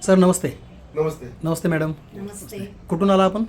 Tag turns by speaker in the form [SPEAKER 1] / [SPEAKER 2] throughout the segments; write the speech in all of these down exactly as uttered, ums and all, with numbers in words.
[SPEAKER 1] Sir नमस्ते.
[SPEAKER 2] नमस्ते.
[SPEAKER 1] नमस्ते madam.
[SPEAKER 3] नमस्ते.
[SPEAKER 1] कुठून आला आपण?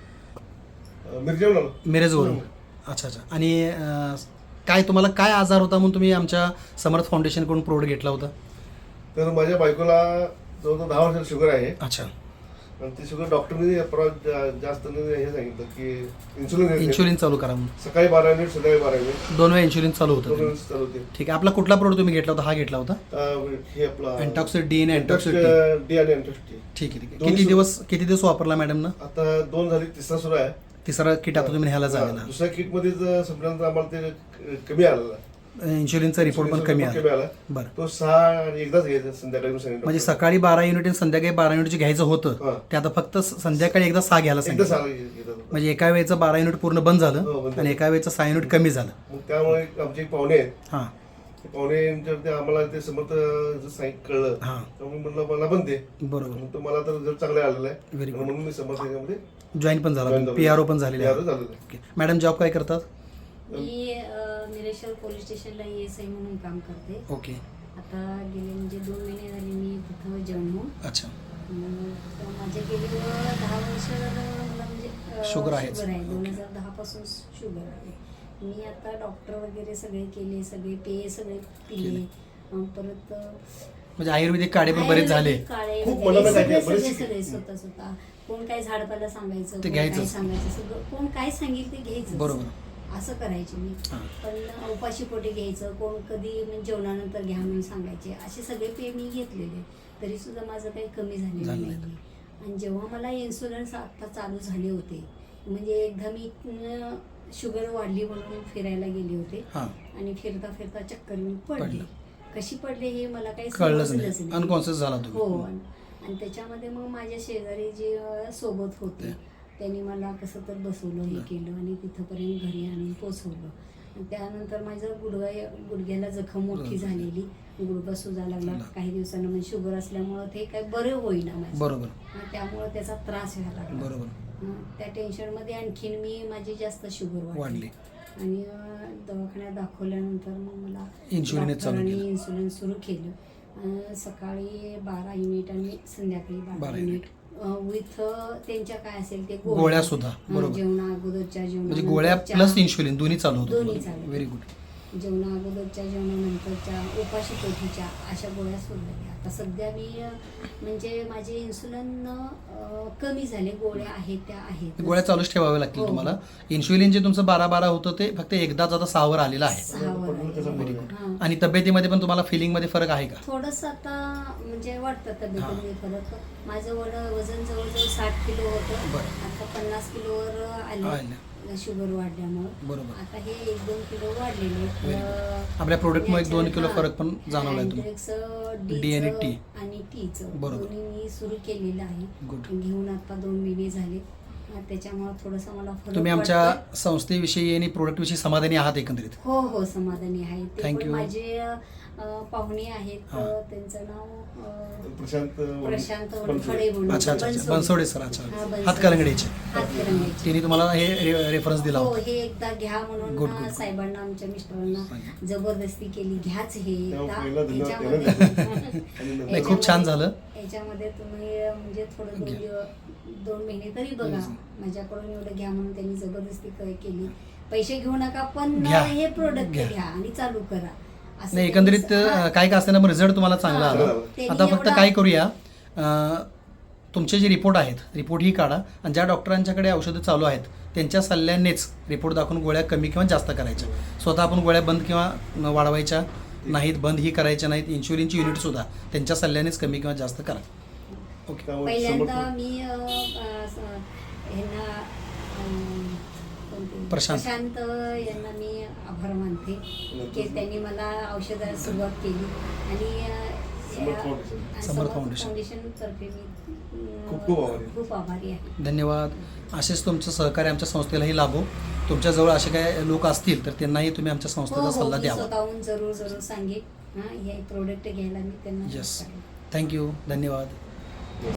[SPEAKER 2] मिरजेवरून आलो.
[SPEAKER 1] मिरजवरून. अच्छा अच्छा. आणि अं, काय तुम्हाला काय आजार होता म्हणून तुम्ही आमच्या समर्थ फाउंडेशनकडून प्रोडक्ट घेतला होता?
[SPEAKER 2] तर माझ्या बायकोला जवळजवळ दहा वर्षाची शुगर आहे.
[SPEAKER 1] अच्छा.
[SPEAKER 2] आणि ती शुगर डॉक्टरने परत जास्त हे सांगितलं की इन्सुलिन
[SPEAKER 1] इन्शुलिन चालू करा म्हणून.
[SPEAKER 2] सकाळी बारा युनिट संध्याकाळी बारा युनिट
[SPEAKER 1] दोन वेळा इन्शुलिन चालू
[SPEAKER 2] दोन
[SPEAKER 1] होतं.
[SPEAKER 2] युनिट चालू होते.
[SPEAKER 1] ठीक आहे. आपला कुठला प्रोडक्ट तुम्ही घेतला होता? हा घेतला होता
[SPEAKER 2] अं, हे आपला
[SPEAKER 1] अँटॉक्सिड डी आणि अँटॉक्सिड टी.
[SPEAKER 2] डी आणि अँटॉक्सिड टी.
[SPEAKER 1] ठीक आहे ठीक आहे.
[SPEAKER 2] दोन्ही
[SPEAKER 1] किती
[SPEAKER 2] सु-
[SPEAKER 1] दिवस किती दिवस वापरला मॅडमनं?
[SPEAKER 2] आता दोन झाली, तिसरा सुरू आहे.
[SPEAKER 1] तिसरा किट आता तुम्ही ह्याला झालेला.
[SPEAKER 2] दुसऱ्या किट मध्ये संपल्यानंतर आम्हाला ते कमी आलेला.
[SPEAKER 1] इन्शुलिनचा रिपोर्ट पण कमी
[SPEAKER 2] कमी
[SPEAKER 1] आला.
[SPEAKER 2] आला.
[SPEAKER 1] बरं.
[SPEAKER 2] तो सहा आणि एकदाच घ्यायचा संध्याकाळी सांगितलं.
[SPEAKER 1] म्हणजे सकाळी बारा युनिट आणि संध्याकाळी बारा युनिट जे घ्यायचं होतं
[SPEAKER 2] हां.
[SPEAKER 1] ते आता फक्त स- संध्याकाळी एकदा सहा घ्यायला
[SPEAKER 2] एकदा
[SPEAKER 1] सांगितलं.
[SPEAKER 2] सहा घेतात.
[SPEAKER 1] म्हणजे एका वेळेचं बारा युनिट पूर्ण बंद
[SPEAKER 2] हो,
[SPEAKER 1] झालं
[SPEAKER 2] बंद
[SPEAKER 1] आणि एका वेळेचं सहा युनिट कमी झालं.
[SPEAKER 2] मग त्यामुळे आमचे एक पाहुणे आहेत.
[SPEAKER 1] हां
[SPEAKER 2] ते पाहुणे यांच्यावरती आम्हाला ते समर्थ सांगितलं कळलं.
[SPEAKER 1] हां.
[SPEAKER 2] त्यामुळे म्हणलं मला पण ते
[SPEAKER 1] बरोबर.
[SPEAKER 2] म्हणून तो मला तर रिझल्ट चांगला आलेला आहे.
[SPEAKER 1] Very good.
[SPEAKER 2] म्हणून मी समर्थ याच्यामध्ये
[SPEAKER 1] जॉईन पण झाला.
[SPEAKER 2] join झालो.
[SPEAKER 1] पी आर ओ पण झालेले
[SPEAKER 2] P R O
[SPEAKER 1] आहे.
[SPEAKER 2] झालेलं आहे.
[SPEAKER 1] ओके. मॅडम जॉब काय करतात?
[SPEAKER 3] मी अ, निरेश्वर पोलीस स्टेशनला ए एस आय म्हणून काम करते.
[SPEAKER 1] ओके.
[SPEAKER 3] आता गेले म्हणजे दोन महिने झाले मी तिथं जॉईन होऊन.
[SPEAKER 1] अच्छा.
[SPEAKER 3] अं, तर माझ्या गेली दहा वर्ष झालं मला म्हणजे अ,
[SPEAKER 1] शुगर आहेच.
[SPEAKER 3] शुगर आहे. दोन
[SPEAKER 1] ओके.
[SPEAKER 3] हजार दहा पासून शुगर आहे. मी आता डॉक्टर वगैरे सगळे केले, सगळे पेय सगळे पिले.
[SPEAKER 1] केले.
[SPEAKER 3] अं, परत अ,
[SPEAKER 1] म्हणजे आयुर्वेदिक काढे पण बरेच झाले.
[SPEAKER 3] आयुर्वेदिक काढे
[SPEAKER 2] खूप
[SPEAKER 3] वगैरे
[SPEAKER 2] मनाला
[SPEAKER 3] सगळे
[SPEAKER 2] काय- बरेच
[SPEAKER 3] सगळे
[SPEAKER 2] शिकले.
[SPEAKER 3] सगळे स्वतः स्वतः कोण काय झाडपाला सांगायचं,
[SPEAKER 1] ते
[SPEAKER 3] कोण काय
[SPEAKER 1] घ्यायचंच.
[SPEAKER 3] सांगायचं, सगळं कोण काय सांगेल ते घ्यायचं.
[SPEAKER 1] बरोबर.
[SPEAKER 3] असं करायचे मी.
[SPEAKER 1] हां.
[SPEAKER 3] पण उपाशी पोटी घ्यायचं, कोण कधी म्हणजे जेवणानंतर घ्या म्हणून सांगायचे. असे सगळे पेय मी घेतलेले, तरी सुद्धा माझं काही कमी झालेलं
[SPEAKER 1] झालं
[SPEAKER 3] नाही.
[SPEAKER 1] नाही.
[SPEAKER 3] आणि जेव्हा मला इन्शुरन्स आता चालू झाले होते, म्हणजे एकदा मी अं, शुगर वाढली म्हणून फिरायला गेले होते
[SPEAKER 1] हां.
[SPEAKER 3] आणि फिरता फिरता चक्कर येऊन पडले.
[SPEAKER 1] पडलं.
[SPEAKER 3] कशी पडले हे मला काही
[SPEAKER 1] कळलंच
[SPEAKER 3] समजलंच
[SPEAKER 1] नाही. अनकॉन्शियस झाला
[SPEAKER 3] हो.
[SPEAKER 1] तुम्ही.
[SPEAKER 3] आणि आणि त्याच्यामध्ये मग माझ्या शेजारी जे अं, सोबत होते
[SPEAKER 1] ते.
[SPEAKER 3] त्यांनी मला कसं तर बसवलं, हे केलं आणि तिथंपर्यंत घरी आणून पोचवलं. आणि त्यानंतर माझं गुडघा गुडघ्याला जखम मोठी झालेली, गुडघा सुजा लागला काही दिवसानं. म्हणजे शुगर असल्यामुळं ते काही बरं होईना माझं.
[SPEAKER 1] बरोबर.
[SPEAKER 3] आणि त्यामुळं त्याचा त्रास व्हायला लागला.
[SPEAKER 1] बरोबर.
[SPEAKER 3] हं, त्या टेन्शनमध्ये आणखीन मी माझी जास्त शुगर
[SPEAKER 1] वाढली.
[SPEAKER 3] वाढली. आणि अं, दवाखान्यात दाखवल्यानंतर मग मला
[SPEAKER 1] इन्शुलिनच चालू
[SPEAKER 3] डॉक्टरांनी
[SPEAKER 1] केलं.
[SPEAKER 3] इन्शुलिन सुरू केलं. अं, सकाळी बारा युनिट आणि संध्याकाळी
[SPEAKER 1] बारा
[SPEAKER 3] बारा
[SPEAKER 1] युनिट.
[SPEAKER 3] युनिट विथ त्यांच्या काय असेल ते
[SPEAKER 1] गोळ्या सुद्धा.
[SPEAKER 3] हं,
[SPEAKER 1] बरोबर.
[SPEAKER 3] जेवणा अगोदरच्या
[SPEAKER 1] म्हणजे गोळ्या
[SPEAKER 3] जेवणानंतरच्या-
[SPEAKER 1] प्लस इन्शुलिन दोन्ही चालू होतं.
[SPEAKER 3] दोन्ही चालू.
[SPEAKER 1] Very good.
[SPEAKER 3] जेवणा अगोदरच्या जेवणानंतरच्या उपाशी पोटीच्या अशा गोळ्या सुरू झाल्या. आता सध्या मी अं, म्हणजे माझे इन्सुलिन अं, कमी झाले. गोळ्या आहेत त्या आहेत.
[SPEAKER 1] गोळ्या चालूच ठेवाव्या लागतील
[SPEAKER 3] हो.
[SPEAKER 1] तुम्हाला. इन्शुलिन जे तुमचं बारा बारा होतं ते फक्त एकदाच आता सहावर आलेलं आहे.
[SPEAKER 3] सहावर
[SPEAKER 2] त्याचा
[SPEAKER 3] आहे.
[SPEAKER 2] फरक आहे.
[SPEAKER 3] हां.
[SPEAKER 1] आणि तब्येतीमध्ये पण तुम्हाला फिलिंगमध्ये फरक आहे का?
[SPEAKER 3] थोडंसं आता म्हणजे वाटतं तब्येतीमध्ये फरक. माझं वड वजन जवळजवळ साठ किलो होतं.
[SPEAKER 1] बरं.
[SPEAKER 3] आता पन्नास किलोवर आले
[SPEAKER 1] आलं.
[SPEAKER 3] शुगर वाढल्यामुळं.
[SPEAKER 1] बरोबर.
[SPEAKER 3] आता हे एक दोन किलो वाढलेले आहेत.
[SPEAKER 1] Very
[SPEAKER 3] अं,
[SPEAKER 1] आपल्या प्रोडक्टमुळे एक दोन किलो
[SPEAKER 3] हां.
[SPEAKER 1] फरक पण जाणवलाय तुम्हाला.
[SPEAKER 3] अँड्रेक्स,
[SPEAKER 1] डी आणि
[SPEAKER 3] डीचं
[SPEAKER 1] टी.
[SPEAKER 3] आणि टीचं
[SPEAKER 1] बरोबर.
[SPEAKER 3] दोन्ही मी सुरू केलेलं आहे.
[SPEAKER 1] Good.
[SPEAKER 3] घेऊन आता दोन महिने झाले. अं, त्याच्यामुळं थोडंसं मला फरक
[SPEAKER 1] तुम्ही आमच्या
[SPEAKER 3] वाटतोय.
[SPEAKER 1] संस्थेविषयी आणि प्रोडक्टविषयी समाधानी आहात एकंदरीत?
[SPEAKER 3] हो हो समाधानी आहे. ते
[SPEAKER 1] Thank
[SPEAKER 3] पण
[SPEAKER 1] you.
[SPEAKER 3] माझे अं, पाहुणे आहेत.
[SPEAKER 1] हां.
[SPEAKER 3] अं, त्यांचं नाव अं,
[SPEAKER 2] प्रशांत
[SPEAKER 3] प्रशांत
[SPEAKER 2] बनसोडे.
[SPEAKER 3] वनखडे म्हणून.
[SPEAKER 1] अच्छा अच्छा अच्छा. बनसोडे सर. अच्छा.
[SPEAKER 3] हां, बनसोडे.
[SPEAKER 1] हातकलंगडीचे.
[SPEAKER 3] हातकलंगडीचे.
[SPEAKER 1] तिने तुम्हाला हे रे- रेफरन्स दिला
[SPEAKER 3] हो
[SPEAKER 1] होता.
[SPEAKER 3] हे एकदा घ्या म्हणून
[SPEAKER 1] Good,
[SPEAKER 3] ना
[SPEAKER 1] good, good.
[SPEAKER 3] साहेबांना आमच्या मिस्टरांना
[SPEAKER 1] सांगितलं.
[SPEAKER 3] जबरदस्ती केली, घ्याच हे
[SPEAKER 2] तेव्हा
[SPEAKER 3] एकदा.
[SPEAKER 2] पहिला धन्यवाद
[SPEAKER 3] याच्यामध्ये-
[SPEAKER 2] त्याला द्यायचा. आणि नंतर-
[SPEAKER 1] नाही, खूप छान झालं.
[SPEAKER 3] याच्यामध्ये तुम्ही अं, म्हणजे थोडं दोन
[SPEAKER 1] घ्या.
[SPEAKER 3] दिवस दोन महिने तरी बघा.
[SPEAKER 1] Yes.
[SPEAKER 3] माझ्याकडून एवढं घ्या म्हणून त्यांनी जबरदस्ती क- केली. पैसे घेऊ नका पण
[SPEAKER 1] घ्या.
[SPEAKER 3] हे प्रोडक्ट
[SPEAKER 1] घ्या.
[SPEAKER 3] घ्या आणि चालू करा. असं
[SPEAKER 1] नाही
[SPEAKER 3] त्यांनी-
[SPEAKER 1] एकंदरीत
[SPEAKER 3] हां.
[SPEAKER 1] अं, काय का असताना रिझल्ट तुम्हाला चांगला
[SPEAKER 3] हां.
[SPEAKER 1] आला.
[SPEAKER 3] त्यांनी
[SPEAKER 1] आता फक्त
[SPEAKER 3] एवढा-
[SPEAKER 1] काय करूया, अं, तुमचे जे रिपोर्ट आहेत रिपोर्ट ही काढा आणि ज्या डॉक्टरांच्याकडे औषधं चालू आहेत त्यांच्या सल्ल्यानेच रिपोर्ट दाखवून गोळ्या कमी किंवा जास्त करायच्या. स्वतः आपण गोळ्या बंद किंवा न वाढवायच्या नाहीत, बंद ही करायच्या नाहीत. इन्शुलिनची युनिटसुद्धा त्यांच्या सल्ल्यानेच कमी किंवा जास्त करा. ओके.
[SPEAKER 2] त्यामुळे
[SPEAKER 3] पहिल्यांदा
[SPEAKER 2] समर्थ-
[SPEAKER 3] मी अं, अं, स- ह्यांना अं, कोणते?
[SPEAKER 1] प्रशांत.
[SPEAKER 3] प्रशांत यांना मी आभार मानते की त्यांनी मला औषधाला सुरुवात केली. आणि अं,
[SPEAKER 2] समर्थ
[SPEAKER 3] या-
[SPEAKER 2] foundation.
[SPEAKER 3] Samarth
[SPEAKER 1] Samarth foundation.
[SPEAKER 3] Foundation तर्फे मी अं,
[SPEAKER 2] खूप खूप आभारी.
[SPEAKER 3] खूप आभारी आहे.
[SPEAKER 1] धन्यवाद. असेच तुमचं सहकार्य आमच्या संस्थेलाही लाभो. तुमच्याजवळ असे काय लोक असतील तर त्यांनाही तुम्ही आमच्या
[SPEAKER 3] हो
[SPEAKER 1] संस्थेचा
[SPEAKER 3] हो
[SPEAKER 1] सल्ला
[SPEAKER 3] मी
[SPEAKER 1] द्यावा.
[SPEAKER 3] स्वतःहून जरूर जरूर सांगेन. हां हे प्रोडक्ट घ्यायला मी त्यांना
[SPEAKER 1] Yes.
[SPEAKER 3] सांगेन.
[SPEAKER 1] थँक्यू. धन्यवाद.